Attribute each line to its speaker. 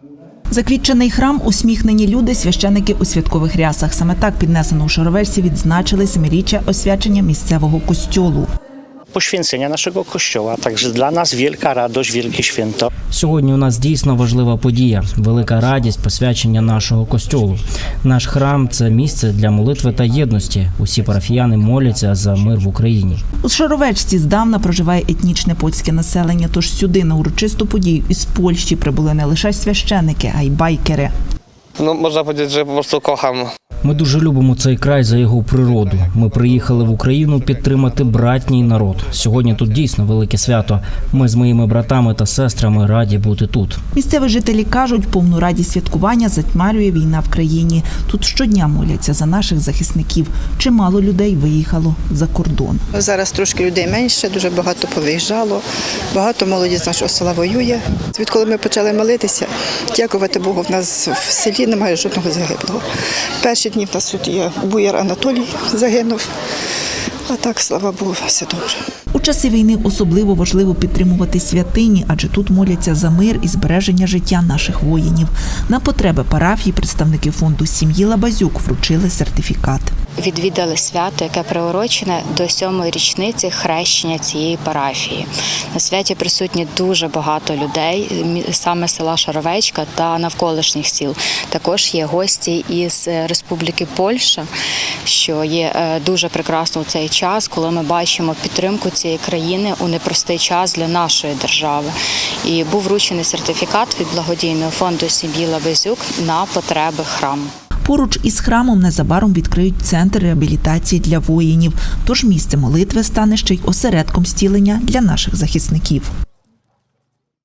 Speaker 1: Заквітчений храм, усміхнені люди, священики у святкових рясах. Саме так піднесено у Шаровечці відзначили 7-річчя освячення місцевого костьолу.
Speaker 2: Poświęcenia naszego Kościoła, także dla nas wielka radość, wielkie święto.
Speaker 3: Сьогодні у нас дійсно важлива подія, велика радість посвячення нашого костьолу. Наш храм – це місце для молитви та єдності. Усі парафіяни моляться за мир в Україні.
Speaker 1: У Шаровечці здавна проживає етнічне польське населення, тож сюди на урочисту подію із Польщі прибули не лише священики, а й байкери.
Speaker 4: Можна powiedzieć, że po prostu kocham.
Speaker 3: Ми дуже любимо цей край за його природу. Ми приїхали в Україну підтримати братній народ. Сьогодні тут дійсно велике свято. Ми з моїми братами та сестрами раді бути тут.
Speaker 1: Місцеві жителі кажуть, повну радість святкування затьмарює війна в країні. Тут щодня моляться за наших захисників. Чимало людей виїхало за кордон.
Speaker 5: Зараз трошки людей менше, дуже багато повиїжджало. Багато молоді з нашого села воює. Відколи ми почали молитися, дякувати Богу, в нас в селі немає жодного загиблого. Перші дні в нас тут є Буяр Анатолій загинув, а так, слава Богу, все добре.
Speaker 1: У часи війни особливо важливо підтримувати святині, адже тут моляться за мир і збереження життя наших воїнів. На потреби парафії представники фонду сім'ї Лабазюк вручили сертифікат.
Speaker 6: Відвідали свято, яке приурочене до 7-ї річниці хрещення цієї парафії. На святі присутні дуже багато людей, саме села Шаровечка та навколишніх сіл. Також є гості із Республіки Польща, що є дуже прекрасно у цей час, коли ми бачимо підтримку цієї країни у непростий час для нашої держави. І був вручений сертифікат від благодійного фонду сім'ї Лабазюк на потреби храму.
Speaker 1: Поруч із храмом незабаром відкриють центр реабілітації для воїнів. Тож місце молитви стане ще й осередком зцілення для наших захисників.